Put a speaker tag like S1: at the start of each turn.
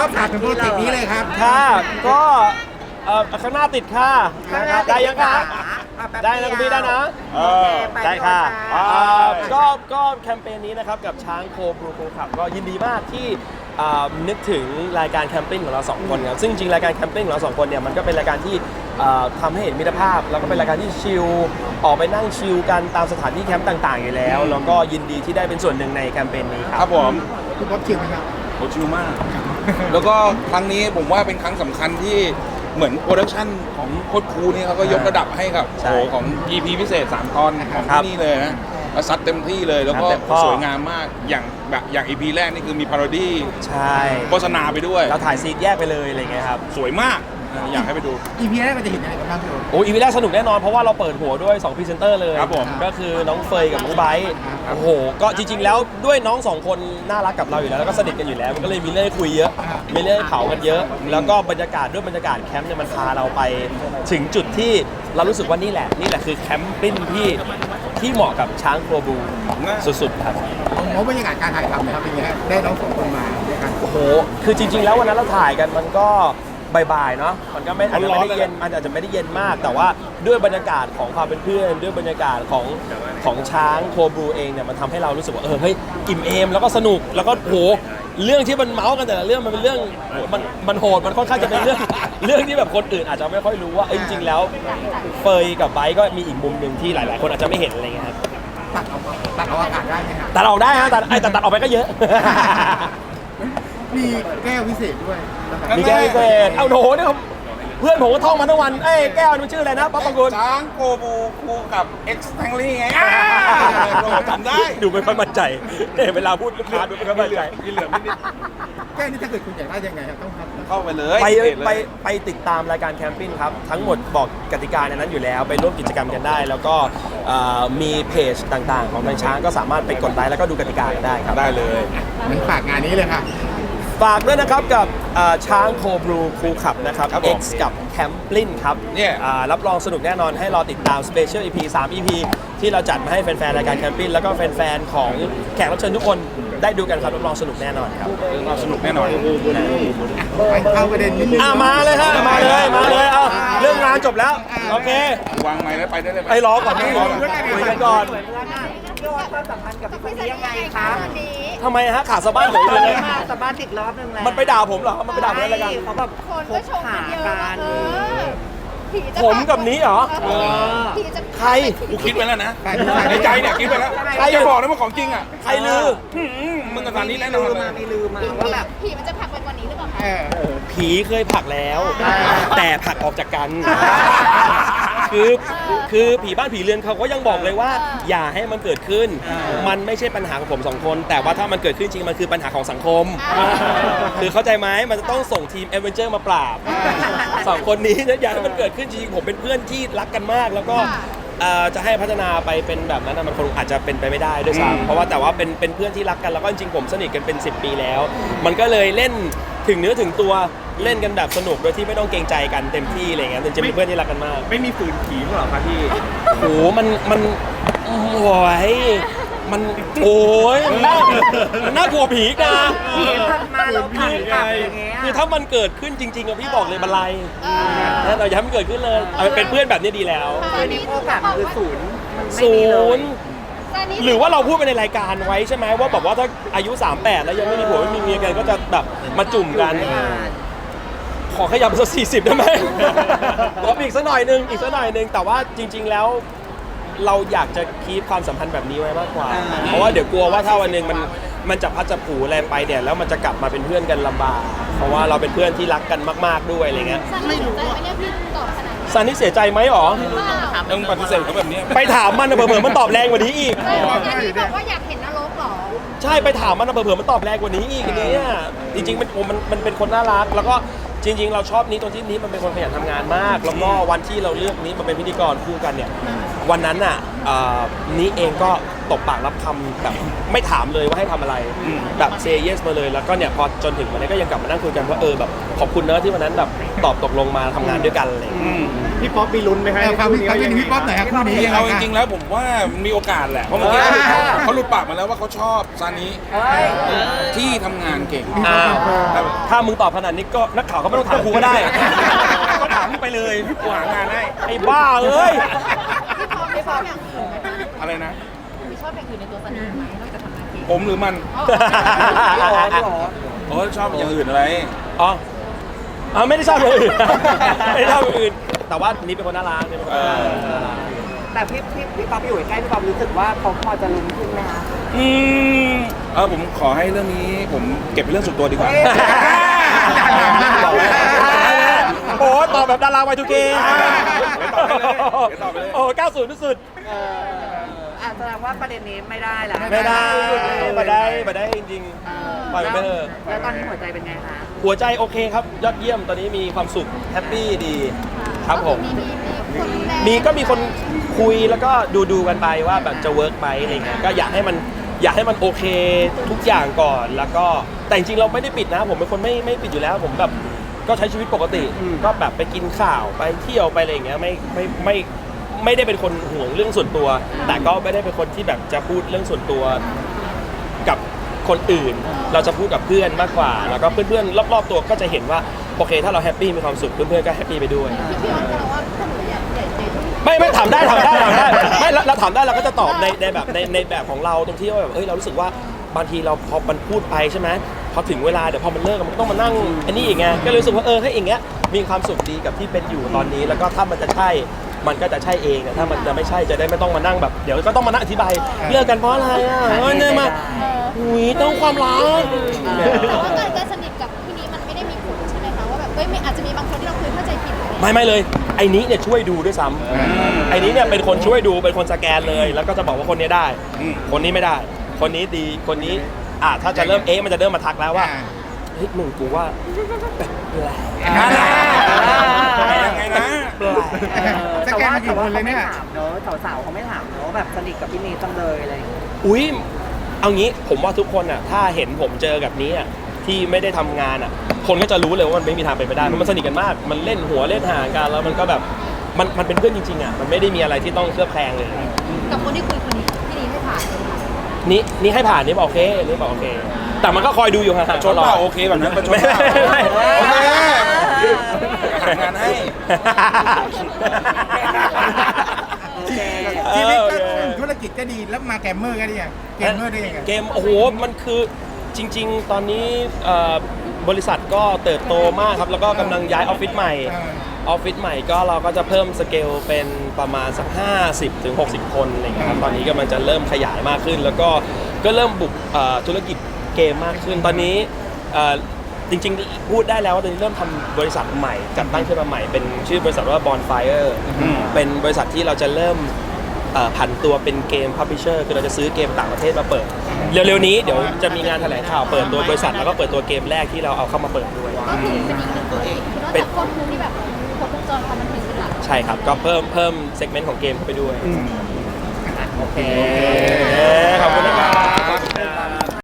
S1: ครับฝากถึงโปรเจกต์นี้เลยครับ
S2: ค่ะก็ข้างหน้าติดค่ะได้ยังคะได้นะคุณพี่ได้นะได้ค่ะก็แคมเปญนี้นะครับกับช้างโคบรูโคขับก็ยินดีมากที่นึกถึงรายการแคมปิ้งของเราสองคนครับซึ่งจริงรายการแคมปิ้งของเราสองคนเนี่ยมันก็เป็นรายการที่ทำให้เห็นมิตรภาพแล้วก็เป็นรายการที่ชิลออกไปนั่งชิลกันตามสถานที่แคมป์ต่างๆอยู่แล้วแล้วก็ยินดีที่ได้เป็นส่วนหนึ่งในแคมเปญนี้ครับ
S3: ผม
S1: คุณป๊อปชิลไหมครับ
S3: โหชิลมาก แล้วก็ครั้งนี้ผมว่าเป็นครั้งสำคัญที่เหมือนโปรดักชันของโคตรคูนี่เขาก็ยกระดับให้กับโอ้ของ EP พิเศษ3 ตอนของที่นี่เลยนะซัดเต็มที่เลยแล้วก็สวยงามมากอย่าง EP แรกนี่คือมีพาโรดี้
S2: ใช่
S3: โฆษณาไปด้วย
S2: เราถ่ายซีนแยกไปเลยอะไรเงี้ยครับ
S3: สวยมากอยากให้ไปดู
S1: EP แรกมันจะเห็นอะไรกันบ้างพี่โอ้
S2: EP แรกสนุกแน่นอนเพราะว่าเราเปิดหัวด้วย2พรีเซนเตอร์เลย
S3: ครับผม
S2: ก็คือน้องเฟยกับน้องไบร์ทโอ้โหก็จริงๆแล้วด้วยน้อง2คนน่ารักกับเราอยู่แล้วแล้วก็สนิทกันอยู่แล้วมันก็เลยมีเรื่องให้คุยเยอะมีเรื่องให้เผากันเยอะแล้วก็บรรยากาศแคมป์เนี่ยมันพาเราไปถึงจุดที่เรารู้สึกว่านี่แหละคือแคมปิ้งที่เหมาะกับช้างโคบูสุดๆครับ
S1: เพราะบรรยากาศการถ่ายทำนะครับเป็นไงได้น้อง2 คนมาด้วยกัน
S2: โอ้โหคือจริงๆแล้ววันนั้นเราถ่ายกันมันก็บ่ายๆเนาะมันก็อาจจะไม่ได้เย็นมันอาจจะไม่ได้เย็นมากแต่ว่าด้วยบรรยากาศของความเป็นเพื่อนด้วยบรรยากาศของช้างโคบรูเองเนี่ยมันทำให้เรารู้สึกว่าเฮ้ยอิ่มเอมแล้วก็สนุกแล้วก็โหเรื่องที่มันเมาส์กันแต่ละเรื่องมันเป็นเรื่องมันโหดมันค่อนข้างจะเป็นเรื่องที่แบบคนอื่นอาจจะไม่ค่อยรู้ว่าจริงๆแล้วเฟยกับไบร์ทก็มีอีกมุมหนึ่งที่หลายๆคนอาจจะไม่เห็นอะไรเงี้ยครับ
S1: ตัดออกอากาศได้ไหมครับ
S2: ตัดออกได้ฮะแต่ตัดออกไปก็เยอะ
S1: มีแก้วพิเศษด้วย
S2: มีแก้วพิเศษเอาโหเนี่ยเพื่อนผมก็ท่องมาทั้งวันแก้วมันชื่ออะไรนะป๊อปปองกุล
S3: ช้างโคบูคู่กับ X Stanley ไงจำได้
S2: ดูไม่ค่อยมั่นใจเวลาพูดลูกค้าดูไม่ค่อยมั่นใจ
S3: มีเหลืองนิด
S1: แก้วนี้ถ้าเกิดคุณอยากได้ยังไงครับต้อง
S3: เข้าไปเลย
S2: ไปติดตามรายการแคมปิ้งครับทั้งหมดบอกกติกาในนั้นอยู่แล้วไปร่วมกิจกรรมกันได้แล้วก็มีเพจต่างๆของทางช้างก็สามารถไปกดไลค์แล้วก็ดูกติกากันได้ครับ
S3: ได้เลย
S1: มันฝากงานนี้เลยค่ะ
S2: ฝากด้วยนะครับกับช้างโคบรูคูขับนะครับ X กับแคมปลินครับ
S3: เนี่ย
S2: รับรองสนุกแน่นอนให้รอติดตาม Special EP 3 EP ที่เราจัดมาให้แฟนๆรายการแคมปิ้งแล้วก็แฟนๆของแขกรับเชิญทุกคนได้ดูกันครับรับรองสนุกแน่นอนครับ
S3: สนุกแน่นอน
S1: เข้าประเด็นนิดนึง
S2: มาเลยฮะมาเลยเอาเรื่องงานจบแล้วโอเคว
S3: างไม้แล้วไปได้เลย
S2: ไปรอก่อนคุยกันก่อน
S4: ความสัมพันธ์กับคนนี้ยังไงคะ
S2: ทำไมฮะขาสะบ้านผมเลย
S4: สะบ้านติดรอบนึงแล้ว
S2: มันไปด่าผมเหรอมันไปด่าผมอะไรกัน
S4: เขาแบบคนก็ชมกันเยอะกัน
S2: ผมกับนี้เหรอใคร
S3: กูคิดไปแล้วนะในใจเนี่ยคิดไปแล้วใครจะบอกนะว่าของจริงอ่ะ
S2: ใครลือ
S3: มึงกับตอนนี้แน่นอนเลย
S4: มีลืมมาว่าแบบผีมันจะผลักไปกว่านี้หรือเปล่าคะ
S2: ผีเคยผลักแล้วแต่ผลักออกจากกันคือผีบ้านผีเรือนเขาก็ยังบอกเลยว่าอย่าให้มันเกิดขึ้นมันไม่ใช่ปัญหาของผม2 คนแต่ว่าถ้ามันเกิดขึ้นจริงมันคือปัญหาของสังคมคือเข้าใจไหมมันจะต้องส่งทีมเอเวนเจอร์มาปราบ2 คนนี้นะอย่าให้มันเกิดขึ้นจริงผมเป็นเพื่อนที่รักกันมากแล้วก็จะให้พัฒนาไปเป็นแบบนั้นมันคงอาจจะเป็นไปไม่ได้ด้วยซ้ำเพราะว่าแต่ว่าเป็นเพื่อนที่รักกันแล้วก็จริงๆผมสนิทกันเป็น10 ปีแล้วมันก็เลยเล่นถึงเนื้อถึงตัวเล่นกันแบบสนุกโดยที่ไม่ต้องเกรงใจกันเต็มที่อะไรเงี้ยจริงๆเป็นเพื่อนที่รักกันมาก
S3: ไม่มีฝืนผีหรอครับพี่
S2: โอ้มันโอ้ยมันโอ้ยมันน่ากลัวผีนะ
S4: มาเราผี
S2: คือถ้ามันเกิดขึ้นจริงๆอะพี่บอกเลยบันไลนะเราอย่าให้มันเกิดขึ้นเลยเป็นเพื่อนแบบนี้ดีแล้ว
S4: ตอนนี้โอกาสคือศูนย์
S2: หรือว่าเราพูดไปในรายการไว้ใช่ไหมว่าแบบว่าถ้าอายุ38แล้วยังไม่มีผัวไม่มีเมียกันก็จะแบบมาจุ่มกันขอขยับสัก40ได้ไหมขออีกสักหน่อยนึงแต่ว่าจริงๆแล้วเราอยากจะคีปความสัมพันธ์แบบนี้ไว้มากกว่าเพราะว่าเดี๋ยวกลัวว่าถ้าวันนึงมันจะพัดจะผูอะไรไปเนี่ยแล้วมันจะกลับมาเป็นเพื่อนกันลำบากเพราะว่าเราเป็นเพื่อนที่รักกันมากๆด้วยอะไรเงี้ย
S5: ไม่รู้ว่าพี่ตอบขนาด
S2: ซันนี่เสียใจไหมหรอ
S3: ต้องปฏิเสธเขาแบบนี้
S2: ไปถามมันเผื่อมันตอบแรงกว่านี้อีก
S5: พี่บอกว่าอยากเห็นนรกหรอ
S2: ใช่ไปถามมันเผื่อมันตอบแรงกว่านี้อีกเนี่ยจริงๆมันเป็นคนน่ารักแล้วก็จริงๆเราชอบนี้ตรงที่นี้มันเป็นคนขยันทำงานมากแล้วก็วันที่เราเลือกนี้มาเป็นพิธีกรคู่กันเนี่ยวันนั้นน่ะนี้เองก็ตบปากรับคำแบบไม่ถามเลยว่าให้ทำอะไรแบบเซย์เยสมาเลยแล้วก็เนี่ยพอจนถึงวันนี้ก็ยังกลับมานั่งคุยกันว่าแบบขอบคุณเนอะที่วันนั้นแบบตอบตกลงมาทำงานด้วยกันอะไรอย่างเลย
S6: พี่ป๊อปมีลุ้นไหมฮะ
S1: ความเป็นพี่ป๊อปหน่อยครับคู่นี้
S3: เอาจริงๆแล้วผมว่ามีโอกาสแหละเพราะเมื่อกี้เขาหลุดปากมาแล้วว่าเขาชอบซานิที่ทำงานเก่ง
S2: อ้าวถ้ามึงตอบขนาดนี้ก็นักข่าวก็ไม่ต้องถามกูก็ได้ ก็ถามมึงไปเลยกูหางานให้ไอ้บ้าเอ้ย
S4: พี่พออย่างอื่นไหมคะ
S3: อะไรนะ
S4: พี่ชอบอย่างอื่นในตัวสนิทไหมนอกจากทำงานเก่ง
S3: ผมหรือมันโอ้ชอบอย่างอื่นอะไร
S2: อ๋อไม่ได้ชอบอย่างอื่น ไม่ได้ชอบอย่างอื่น แต่ว่านี่เป็นคนน่ารักนี่เป็นคนน่ารัก
S7: แต่พี่ป๊อปอยู่ใกล้พี่ป๊อปรู้สึกว่าเขาพอจะลุ้นขึ้นไหมคะ
S3: ผมขอให้เรื่องนี้ผมเก็บเป็นเรื่องส่วนตัวดีกว่า
S2: โอ้ตอบแบบดาราY2K
S3: เดี๋ยวตอบไปเลย
S2: โอ้90ที่สุด
S7: แสดงว่าประเด็นนี้ไม่ได้แล้ว
S2: ไม่ได้จริงๆปล่อยมันไปเถอะ
S7: แล้วตอนนี้หัวใจเป็นไงคะ
S2: หัวใจโอเคครับ ยอดเยี่ยมตอนนี้มีความสุขแฮปปี้ดีครับผม
S5: มีคนแรง
S2: ก็มีคนคุยแล้วก็ดูกันไปว่าแบบจะเวิร์กไหมอะไรเงี้ยก็อยากให้มันโอเคทุกอย่างก่อนแล้วก็แต่จริงๆเราไม่ได้ปิดนะผมเป็นคนไม่ปิดอยู่แล้วผมแบบก็ใช้ชีวิตปกติก็แบบไปกินข้าวไปเที่ยวไปอะไรอย่างเงี้ยไม่ได้เป็นคนห่วงเรื่องส่วนตัว แต่ก็ไม่ได้เป็นคนที่แบบจะพูดเรื่องส่วนตัวกับคนอื่น เราจะพูดกับเพื่อนมากกว่าแล้วก็เพื่อนๆรอบๆตัวก็จะเห็นว่าโอเคถ้าเราแฮปปี้มีความสุขเพื่อนๆก็แฮปปี้ไปด้วย
S5: พี่ออนจะว่าถ้าหนูอยากใหญ่ใจ
S2: ไม่ถามได้ไม่เราถามได้เราก็จะตอบในแบบของเราตรงที่ว่าแบบเรารู้สึกว่าบางทีเราพอมันพูดไปใช่ไหมพอถึงเวลาเดี๋ยวพอมันเลิกมันก็ต้องมานั่งอันนี้อีกไงก็เลยรู้สึกว่าให้อย่างเงี้ยมีความสุขดีกับที่เป็นอยู่ตอนนี้แล้วก็ถ้ามันจะใช่มันก็จะใช่เองถ้ามันจะไม่ใช่จะได้ไม่ต้องมานั่งแบบเดี๋ยวก็ต้องมานั่งอธิบายเลิกกันเพราะอะไรเนี่ยมาต้องความรัก
S5: แต่ว่าการสนิทกับพี่นี้มันไม่ได้มีผลใช่ไหมคะว่าแบบไม่อาจจะมีบางคนที่เราเคยเข้าใจผิด
S2: ไม่เลยไอ้นี้เนี่ยช่วยดูด้วยซ้ำไอ้นี้เนี่ยเป็นคนช่วยดูเป็นคนสแกนเลยแล้วก็จะบอกว่าคนนี้ได้ คนนี้ไม่ได้ คนนี้ดีคนนี้ถ้าจะเริ่มมันจะเริ่มมาทักแล้วว่าเฮ้ยมึงกูว่าแปลก
S3: ยังไงนะ
S7: แต่ว่าเขาไม่ถามเนอะสาวๆเขาไม่ถามเนอะแบบสนิทกับพี่เนยจังเลยอะไรอย่างเงี้ย
S2: อุ้ยเอางี้ผมว่าทุกคนถ้าเห็นผมเจอกับนี้ที่ไม่ได้ทำงานคนก็จะรู้เลยว่ามันไม่มีทางเป็นไปได้เพราะมันสนิทกันมากมันเล่นหัวเล่นหางกันแล้วมันก็แบบมันเป็นเพื่อนจริงๆมันไม่ได้มีอะไรที่ต้องเคลือบแคลงเลย
S5: กับคนที่คุยคนนี้พี่นี้ให้ผ่าน
S2: นี่ให้ผ่านนี่บอกโอเคนี่บอกโอเคแต่มันก็คอยดูอยู่ห่างๆ
S3: ชนเปล่าโอเคแบบนั้นประชดเปล่า
S2: ไม่
S3: โอเคหางานให้
S1: ชีวิตก็ธุรกิจก็ดีแล้วมาแกมเมอร์ก็ได้ยังเกมเมอร์ได้ยังไง
S2: เกมโอ้โหมันคือจริงๆตอนนี้บริษัทก็เติบโตมากครับแล้วก็กำลังย้ายออฟฟิศใหม่ออฟฟิศใหม่ก็เราก็จะเพิ่มสเกลเป็นประมาณสัก50-60 คนอะไรอย่างเงี้ยครับตอนนี้ก็มันจะเริ่มขยายมากขึ้น แล้วก็เริ่มบุกธุรกิจเกมมากขึ้นตอนนี้จริงๆพูดได้แล้วว่าตอนนี้เริ่มทำบริษัทใหม่จัดตั้งขึ้นมาใหม่เป็นชื่อบริษัทว่า Bonfire เป็นบริษัทที่เราจะเริ่มผันตัวเป็นเกมพับลิเชอร์คือเราจะซื้อเกมต่างประเทศมาเปิดเร็วๆนี้เดี๋ยวจะมีงานแถลงข่าวเปิดตัวบริษัทแล้วก็เปิดตัวเกมแรกที่เราเอาเข้ามาเปิดด้วย
S5: ก็คือเป็นอีกหนึ่งตัวเองนอกจากคนนึงที่แบบครบวงจรความบันเทิงเป็นหลัก
S2: ใช่ครับก็เพิ่มเซกเมนต์ของเกมเข้าไปด้วย
S7: โอเค
S2: ขอบคุณนะครับ